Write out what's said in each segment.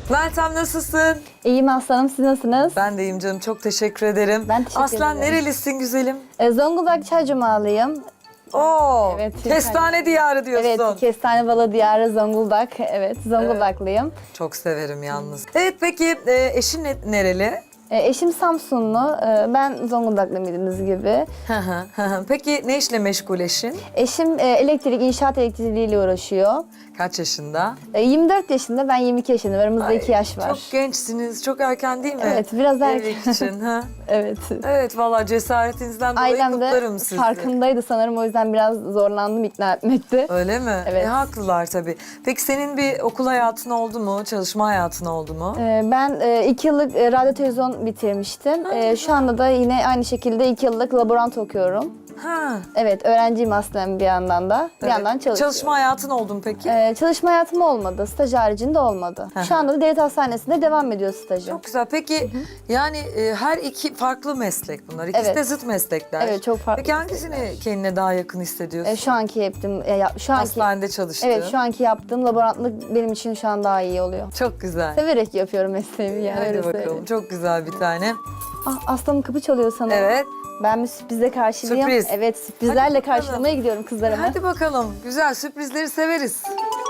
Meltem nasılsın? İyiyim aslanım, siz nasılsınız? Ben de iyiyim canım, çok teşekkür ederim. Ben teşekkür Aslan ederim. nerelisin güzelim? Zonguldak Çaycumalıyım. Oo, Evet, kestane diyarı diyorsun. Evet, Kestane Balı Diyarı Zonguldak. Evet, Zonguldaklıyım. Çok severim yalnız. Evet peki eşin nereli? Eşim Samsunlu, ben Zonguldaklı bildiğiniz gibi. Peki ne işle meşgul eşin? Eşim inşaat elektrikliğiyle uğraşıyor. Kaç yaşında? 24 yaşında, ben 22 yaşındayım. Aramızda Ay, 2 yaş var. Çok gençsiniz, çok erken değil mi? Evet, biraz erken. Evlilik için. Ha? Evet. Evet, vallahi cesaretinizden dolayı Ailem de kutlarım sizi. farkındaydı sanırım, o yüzden biraz zorlandım ikna etmekte. Öyle mi? Evet. Haklılar tabii. Peki senin bir okul hayatın oldu mu? Çalışma hayatın oldu mu? Ben 2 yıllık radyo televizyon bitirmiştim. Şu anda da yine aynı şekilde 2 yıllık laborant okuyorum. Ha. Evet, öğrenciyim aslında bir yandan da. Bir Evet. yandan çalışıyorum. Çalışma hayatın oldu mu peki? Çalışma hayatım olmadı. Staj haricinde olmadı. Şu anda da devlet hastanesinde devam ediyor stajım. Çok güzel. Peki yani her iki farklı meslek bunlar. İkisi Evet. de zıt meslekler. Evet, çok farklı Peki hangisini kendine daha yakın hissediyorsun? Şu anki yaptığım, şu anki, Hastanede çalıştığın. evet, şu anki yaptığım laborantlık benim için şu an daha iyi oluyor. Çok güzel. Severek yapıyorum mesleğimi yani. Hadi öyle bakalım. söyleyeyim. Çok güzel bir tane. Aslanım kapı çalıyor sanırım. Evet. Ben bir sürprizle karşılayayım. Sürpriz. Evet, sürprizlerle Hadi bakalım. karşılamaya gidiyorum kızlarımı. Hadi bakalım. Güzel sürprizleri severiz.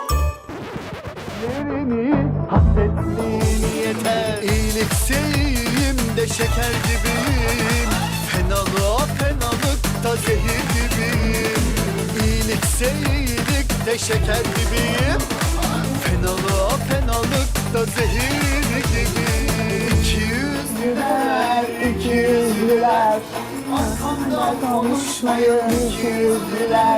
Hasretliğini yeter. İyilikseyin de şeker gibiyim. Fenalıkta zehir gibiyim. İyilikse de şeker gibiyim. Fenalıkta zehir gibiyim. İki yüzlüler, arkamda konuşmayın. İki yüzlüler,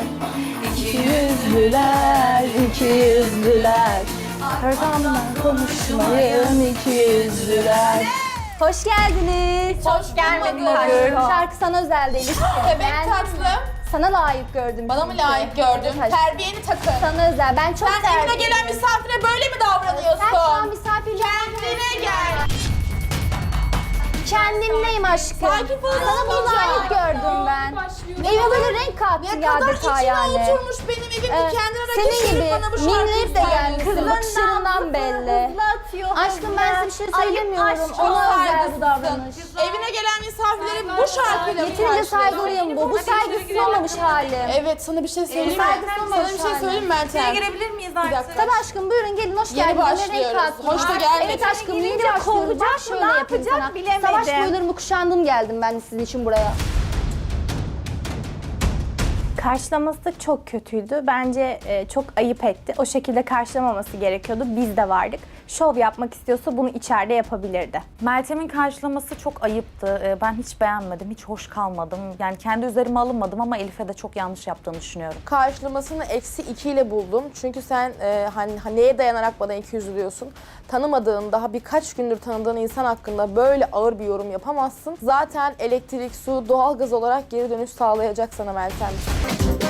İki yüzlüler. Arkamdan konuşmayın iki yüzlüler. Hoş geldiniz. Hoş gelmedin Şarkı, aşkım. şarkı sana özel değil. Bebek tatlım. Sana layık gördüm. Bana mı çünkü. layık gördün? Evet, Terbiyeni takın. sana özel. Ben çok Sen evine terbiyeliyim. gelen misafire böyle mi davranıyorsun? Sen şu an misafirliğe Kendine gel. Kendimdeyim aşkım. Sakin falan Sana bu layık gördüm ben. Eve böyle renk kattın Ne kadar adeta içine yani. oturmuş benim evimde kendine rakip Senin gibi gelip bana bu şarkıyı minnet de gelmişsin. söylüyorsun. Bakışlarından belli. Aşkım ben size bir şey söylemiyorum. aşk, Ona çok özel bu saygısızsın. davranış. Evine gelen misafirleri bu şarkıyla mı Yeterince karşılıyorsun? saygılıyım bu. Bu saygısız olmamış halim. Evet, sana bir şey söyleyeyim mi? saygısız Sana bir olmuş şey halim. söyleyeyim mi Meltem? girebilir miyiz Bir dakika. Tabii aşkım buyurun gelin hoş Yeni geldiniz. başlıyoruz. Renk kattın. Hoş da gelmedin. Evet aşkım yeni Gelince başlıyoruz. kovacak Bak mı, şöyle ne yapayım yapacak sana. bilemedim. Savaş boylarımı kuşandım geldim ben de sizin için buraya. Karşılaması çok kötüydü. Bence çok ayıp etti. O şekilde karşılamaması gerekiyordu. Biz de vardık. Şov yapmak istiyorsa bunu içeride yapabilirdi. Meltem'in karşılaması çok ayıptı. Ben hiç beğenmedim, hiç hoş kalmadım. Yani kendi üzerime alınmadım ama Elif'e de çok yanlış yaptığını düşünüyorum. Karşılamasını -2 ile buldum. Çünkü sen hani neye dayanarak bana 200 diyorsun? Tanımadığın, daha birkaç gündür tanıdığın insan hakkında böyle ağır bir yorum yapamazsın. Zaten elektrik, su, doğalgaz olarak geri dönüş sağlayacak sana Meltem.